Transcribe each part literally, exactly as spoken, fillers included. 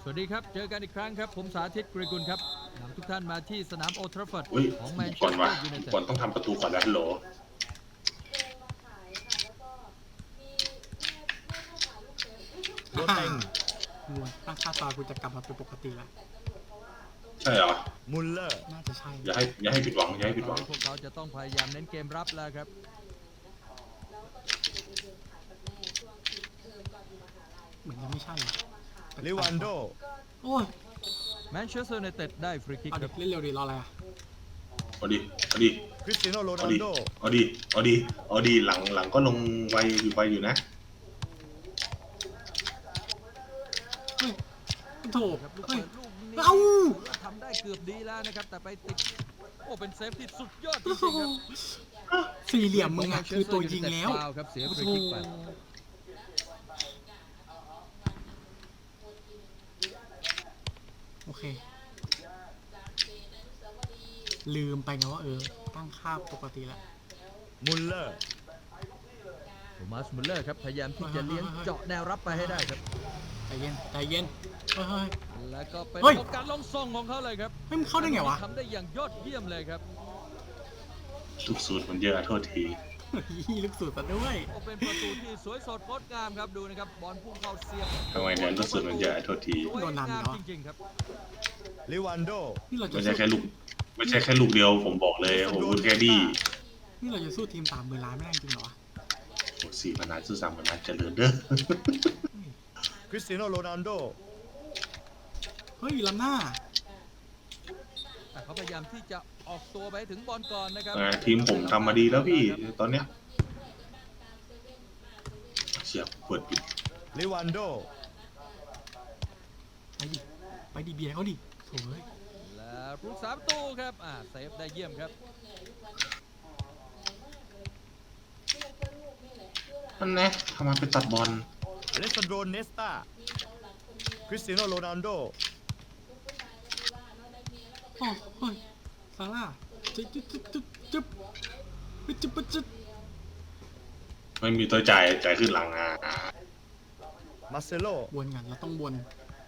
วัสดีครับเจอกันอีกครั้งครับผมสาธิตกรีกุลครับนำทุกท่านมาที่สนามโอลด์แทราฟฟอร์ดของแมนเชก่อนสเตอวะร์ยูไนเต็ดก่อนต้องทำประตูก่อนนะฮัลโหลโดนเต็งงวตั้งค่าตากูจะกลับมาเป็นปกติแล้วใช่เหรอมุลเลอร์น่าจะใช่อย่าให้อย่าให้ผิดหวังอย่าให้ผิดหวังพวกเขาจะต้องพยายามเน้นเกมรับแล้วครับเหมือนยังไม่ใช่ลิวันโดโอ้ยแมนเชสเตอร์ยูไนเต็ดได้ฟรีคิกเอาคดิรับเล่นเร็วดิรออะไรอ่ะเอาดิเอาดิคริสเตียโนโรนัเอาลดิโดเอาดิเอาดิเอาดิหลังหลังก็ลงไวอยู่ไวอยู่นะเฮ้ยโถครับลูกเฮ้ยเปิดลูกนี้เอ้าถือว่าทำได้เกือบดีแล้วนะครับแต่ไปติดโอ้เป็นเซฟที่สุดยอดจโอ้ริงโหๆครับสี่เหลี่ยมมึงอ่ะคือตัวยิงแล้วฟาวครับเสียฟโอ้รีโหคิกไปโอเค ลืมไปไงว่าเออ ตั้งค่าปกติแล้วมุลเลอร์โทมัสมุลเลอร์ครับพยายามที่จะเลี้ยงเจาะแนวรับไปให้ได้ครับใจเย็นใจเย็นเฮ้ยเฮ้ยแล้วก็เป็นเฮ้ยโอกาสลงส่งของเขาเลยครับเฮ้ยมันเข้าได้ไงวะทำได้อย่างยอดเยี่ยมเลยครับลูกสูตรมันเยอะโทษทีเฮ้ยลึกสุดซะด้วยโอ้เป็นประตูที่สวยสดงดงามครับดูนะครับบอลพุ่งเข้าเสียบทำไมเนี่ยลูกสูตรมันเยอะโทษทีสวยโดนนำงามเนอะจริงๆครับลิวันโดนี่เราจะไม่ใช่สู้แค่ลูกไม่ใช่แค่ลูกเดียวผมบอกเลยโอ้โหคุณแคดดี้นี่เราจะสู้ทีมสามหมื่นล้านไม่ได้จริงเหรอวะโอ้สี่พนันซื้อสามพนันเจริญเด้อคริสเตียโนโรนัลโดเฮ้ยล้ำหน้าแต่เขาพยายามที่จะออกตัวไปถึงบอลก่อนนะครับเออทีมผมทำมาดีแล้วพี่ตอนเนี้ยเสียบเปิดปิดลิวันโดไปดิ ไปดิเบียร์เขาดิโถ่เอ้ยและลูกสามประตูครับอ่าเซฟได้เยี่ยมครับนั่นแน่ทำไมไปตัดบอลอเลสซานโดเนสตาคริสเตียโนโรนัลโดโอ้เฮ้ยซาร่าจึ๊บจึ๊บจึ๊บจึ๊บจึ๊บจึ๊บจึ๊บจึ๊บไม่มีตัวจ่ายจ่ายขึ้นหลังอ่ะมาเซโลวนกันเราต้องวน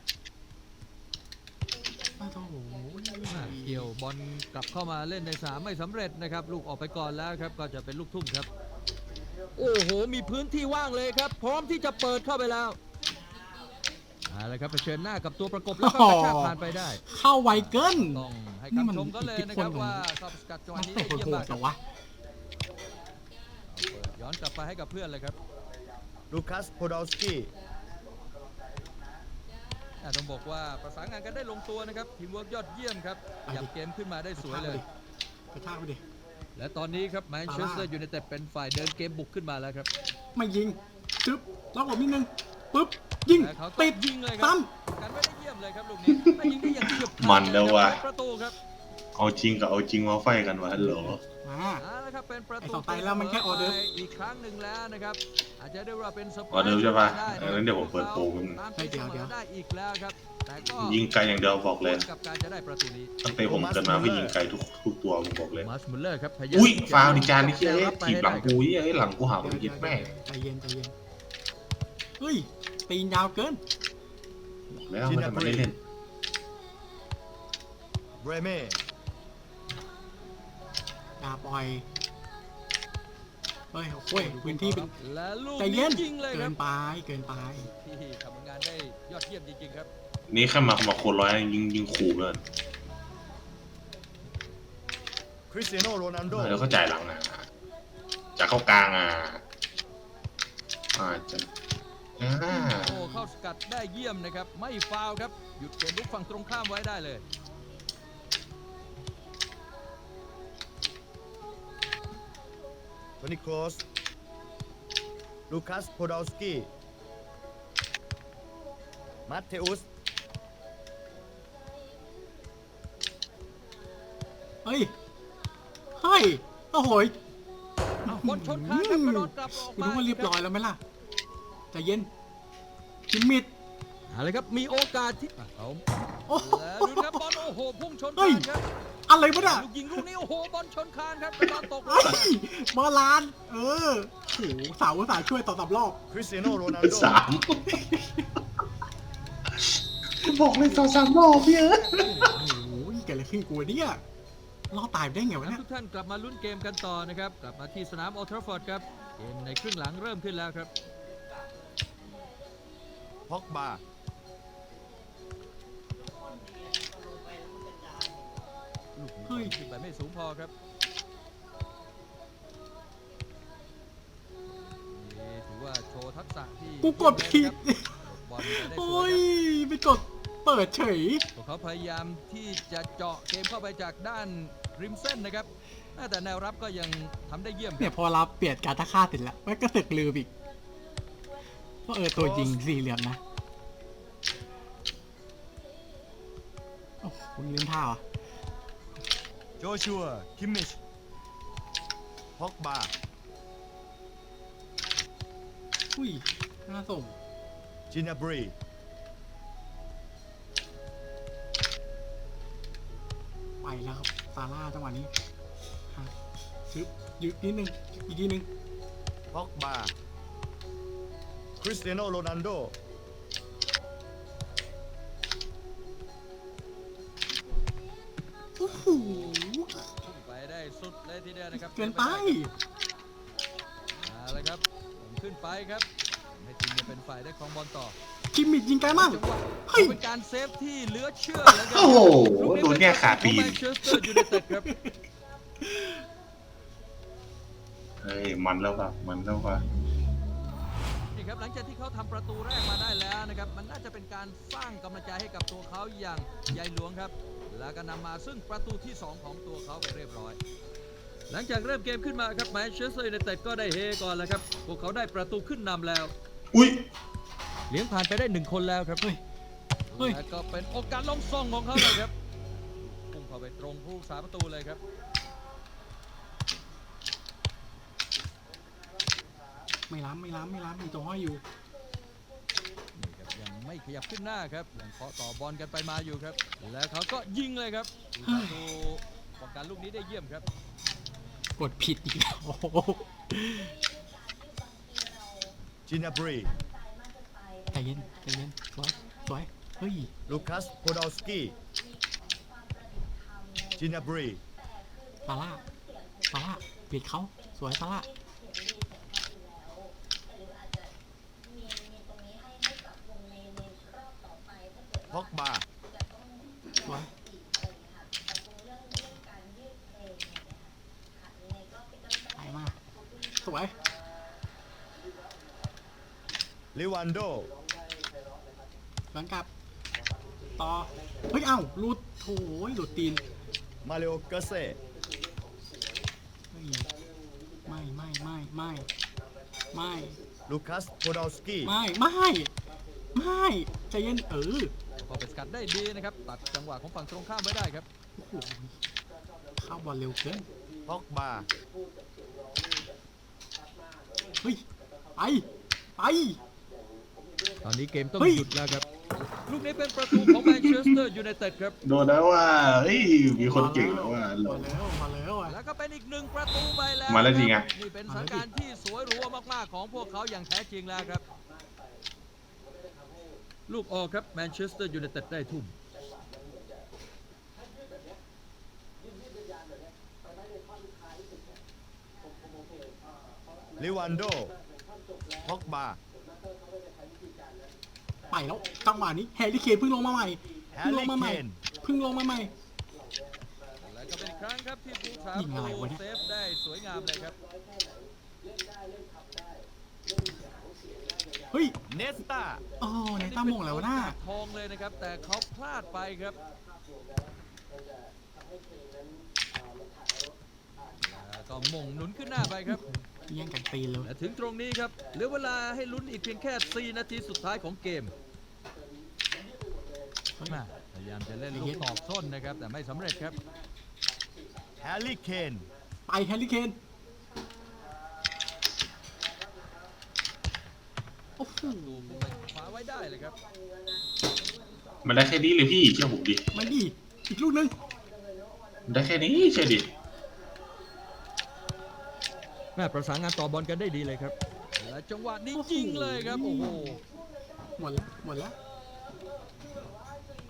อ้าวโถ่โอ้ยอ่าเกี่ยวบอลกลับเข้ามาเล่นในสนามไม่สำเร็จนะครับลูกออกไปก่อนแล้วครับก็จะเป็นลูกทุ่มครับ โอ้โหมีพื้นที่ว่างเลยครับ พร้อมที่จะเปิดเข้าไปแล้วเอาละครับเผชิญหน้ากับตัวประกบแล้วก็กระชากผ่านไปได้เข้าไวเกินต้องให้คำชมก็เลยนะครับว่าเข้าสกัดจังหวะนักนี้เตะได้เยี่ยมโหมาดกๆคเหรรับอวะเอาเปิดย้อนกลับไปให้กับเพื่อนเลยครับลูคัสโพดอลสกี้อ่าต้องบอกว่าประสานงานกันได้ลงตัวนะครับทีมเวิร์กยอดเยี่ยมครับหยับเกมขึ้นมาได้สวยเลยกระชากไปดิและตอนนี้ครับแมนเชสเตอร์ยูไนเต็ดเป็นฝ่ายเดินเกมบุกขึ้นมาแล้วครับไม่ยิงจึ๊บล็อกหลบนิดนึงปึ๊บยิงและเขาติดยิงเลยคซ้รับกันไม่ได้เยี่ยมเลยครับลูกนี้แต่ยิงได้อย่างเฉียบขาดมันแล้วว่ะเป็นประตูครับเอาจริงกับเอาจริงมาไฟกันวะฮัลโหลำมาเอาละครับเป็นประไอ้ตูสองไตแล้วมันแค่ออเดิร์ฟอีกครั้งหนึ่งแล้วนะครับอาจจะได้ว่าเป็นเซอร์ไพรออเดิร์ฟใช่ปะได้นเอองั้นเดี๋ยวผมเปิดโปรมันตามตีเสมอได้อีกแล้วครับแต่ก็ยิงไกลอย่างเดียวบอกเลยกับการจะได้ประตูนี้ตั้งแต่ผมเกิดมาไม่ยิงไกลทุกทุกตัวผมบอกเลยมาร์ชมุลเลอร์ครับพยายามอุ้ยที่จะฟาวดิจานนี่เอ้ยรับไปถีบหลังให้ได้กูเอ้ยหลังกูหาผมยิดแม่ใจเย็นใจเย็นเฮ้ยตีนยาวเกินบอกแล้วมันจะมาได้เล่นเบรเม่อย่าปล่อยเฮ้ยโอ้ยพื้นที่เป็นและลูกใจนี้เย็นยิงเลยคเกิรับนไปเกินไปที่ทำงานได้ยอดเยี่ยมจริงๆครับนี่แค่มามาโคนร้อยยิงยิงขู่เลยคริสเตียโนโรนัลโดแล้วก็จ่ายหลังอ่ะจะเข้ากลางอ่ะอ่าจะอ่าโอ้เข้าสกัดได้เยี่ยมนะครับไม่ฟาวล์ครับหยุดเกมลุกฝั่งตรงข้ามไว้ได้เลยโทนี่โครสลูคัสโพดอลสกี้มาเทอุสเฮ้ยเฮ้ยโอ้โหยบอลชนคานครับกระโดดกลับออกคุณมารู้ว่าเรียบร้อยแล้วไหมล่ะใจเย็นคิมมิดเอาเลยครับมีโอกาสที่เอาโอ้โหแล้วดูครับบอลโอ้โหพุ่งชนเฮ้คาย นครับอะไรวะเนี่ยลูกยิงลูกนี้โอ้โหบอลชนคานครับกระโดดตกลงเฮ้ยบอลลาน เออโอ้โหสาวอุตสาห์ช่วยต่อสามรอบคริสเตียโนโรนัลโดสามบบอกเลยสองสามรอบพี่เอ้ยโอ้ยเกิดอะไรขึ้นกูเนี่ยรอดตายไปได้ไงวะครับเนี่ยทุกท่านกลับมาลุ้นเกมกันต่อนะครับ กลับมาที่สนามโอลด์แทราฟฟอร์ดครับ เกมในครึ่งหลังเริ่มขึ้นแล้วครับพ็อกบาลูกเฮ้ยขึ้นไปไม่สูงพอครับนี่ถือว่าโชว์ทักษะที่กูกดผิดเยี่ยมเลยนะครับบอลไปได้สโอ้วยยครับไปกดเปิดเฉยพวกเขาพยายามที่จะเจาะเกมเข้าไปจากด้านริมเส้นนะครับ แต่แนวรับก็ยังทำได้เยี่ยมคเนี่รัยบพอเราเปลี่ยนการตะค่าติดแล้วแม่งก็ตึกลืมอีกว่าเออตัวยิงสี่เหลี่ยมนะโอ้โหลืมท่าเหรอโจชัวคิมมิชพ็อกบาอุ้ยน่าส่งจินาบรีไปแล้วครับซาร่าจังหวะนี้ฮะชึบยึดนิดนึงอีกทีนึงพ็อกบา คริสเตียโนโรนัลโดโอ้โหพุ่งไปได้สุดเลยทีเดียวนะครับเกินไปเอาละครับผมขึ้นไปครับให้ทีมเนี่ยเป็นฝ่ายได้ครองบอลต่อคิมมิดยิงไกลมากจังหวะเฮ้ยเป็นการเซฟที่เหลือเชื่อแล้วกันโอ้โหโดนเนี่ยขาตีนแมนเชสเตอร์ยูไนเต็ดครับเฮ้ยมันแล้วป่ะมันแล้วป่ะนี่ครับหลังจากที่เขาทำประตูแรกมาได้แล้วนะครับมันน่าจะเป็นการสร้างกำลังใจให้กับตัวเขาอย่างใหญ่หลวงครับ แล้วก็นำมาซึ่งประตูที่สองของตัวเขาไปเรียบร้อย หลังจากเริ่มเกมขึ้นมาครับแมนเชสเตอร์ยูไนเต็ดก็ได้เฮก่อนแล้วครับพวกเขาได้ประตูขึ้นนำแล้วอุ้ยเลี้ยงผ่านไปได้หนึ่งคนแล้วครับเฮ้ย เฮ้ยแล้วก็เป็นโอกาสลงซองของเขาเลยครับพุ่งเข้าไปตรงผู้สาประตูเลยครับไม่ล้ำไม่ล้ำไม่ล้ำมีตัวห้อยอยู่นี่ครับยังไม่ขยับขึ้นหน้าครับยังเคาะต่อบอลกันไปมาอยู่ครับ แล้วเขาก็ยิงเลยครับผู้ประตูป้องกันลูกนี้ได้เยี่ยมครับกดผิดอีกแล้วโอ้โหจินาบรีใจเย็นใจเย็นสวยสวยเฮ้ยลูคัสโพดอลสกี้จินาบรีซาร่าซาร่าปิดเขาสวยซาร่าพ็อกบาสวย ไปมาสวยลิวันโดหลังกลับ ต่อ เฮ้ย เอ้าหลุดโถยหลุดตีนมาเลโอเกเซ่เฮ้ยไม่ไม่ไม่ไม่ไม่ลูคัสโพดอลสกี้ไม่ไม่ไม่ใจเย็นเออพอไปสกัดได้ดีนะครับตัดจังหวะของฝั่งตรงข้ามไว้ได้ครับโอ้โหเข้าบอลเร็วเกินพ็อกบาเฮ้ย ไป ไปตอนนี้เกมต้องเฮ้ยหยุดแล้วครับ ลูกนี้เป็นประตูของแมนเชสเตอร์ยูไนเต็ดครับโดนแล้วว่าเฮ้ยมีคนเก่งแล้วว่ามาแล้วมาแล้วอ่ะแล้วก็เป็นอีกหนึ่งประตูไปแล้วมาแล้วจริงคอะบนี่เป็นสถานการณ์ที่สวยหรูมากๆของพวกเขาอย่างแท้จริงแล้วครับ ลูกออกครับแมนเชสเตอร์ยูไนเต็ดได้ทุ่มลิวันโดพ็อกบาไปแล้วจังหวะนี้แฮร์รี่เคนเพิ่งลงมาใหม่แฮเพิ่งร์ลงรี่มาใหเคม่นเพิ่งลงมาใหม่แล้วก็เป็นอีกครั้งครับที่ผู้สายิงอะไรประตูวะเนี่ยเซฟได้สวยงามเลยครับเฮ้ยเนสตาโอ้ในตั้มมงแล้วะหน้าทองเลยนะครับ แต่เขาพลาดไปครับแล้วก็มงหนุนขึ้นหน้าไปครับแย่งกันตีนเลยและถึงตรงนี้ครับเหลือเวลาให้ลุ้นอีกเพียงแค่ สี่ นาทีสุดท้ายของเกมเฮ้ยมาพยายามจะเล่นลูกตอกส้นนะครับ แต่ไม่สำเร็จครับแฮร์รี่เคนไปแฮร์รี่เคนโอ้โหดูขึ้นไปคว้าไว้ได้เลยครับมันได้แค่นี้เลยพี่เชื่อผมดิมาดิอีกลูกหนึงมันได้แค่นี้เชื่อดิแม่ประสานงานต่อบอลกันได้ดีเลยครับ และจังหวะนี้ยิงเลยครับ โอ้โหหมดแล้วหมดแล้ว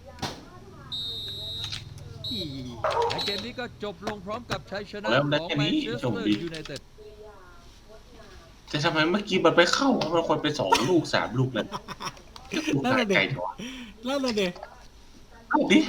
และเกมนี้ก็จบลงพร้อมกับชัยชนะแล้วขได้องแค่แมนี้นเชสโชคเตอร์ดียูไนเต็ดแต่ทำไมเมื่อกี้มันไปเข้ามันควรไปสองลูกสามลูกเลยลูกนั่นหาน่ะเด็ไก่กจังวะนั่นน่ะเด็กเอาดิ